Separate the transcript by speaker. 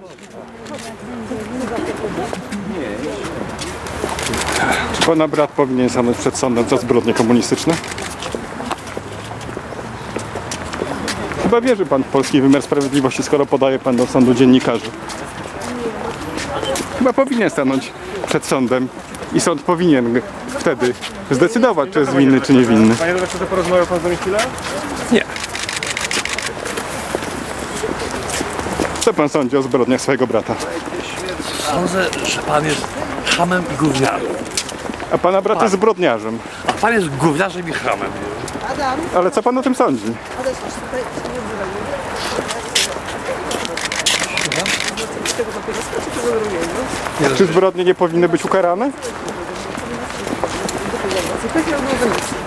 Speaker 1: Czy pana brat powinien stanąć przed sądem za zbrodnie komunistyczne? Chyba wierzy pan w polski wymiar sprawiedliwości, skoro podaje pan do sądu dziennikarzy. Chyba powinien stanąć przed sądem i sąd powinien wtedy zdecydować, czy jest winny, czy niewinny.
Speaker 2: Panie redaktorze, porozmawiał pan z nami chwilę?
Speaker 3: Nie.
Speaker 1: Co pan sądzi o zbrodniach swojego brata?
Speaker 3: Sądzę, że pan jest chamem i gówniarzem.
Speaker 1: A pana brat jest zbrodniarzem.
Speaker 3: A pan jest gówniarzem i chamem.
Speaker 1: Ale co pan o tym sądzi? Czy zbrodnie nie powinny być ukarane?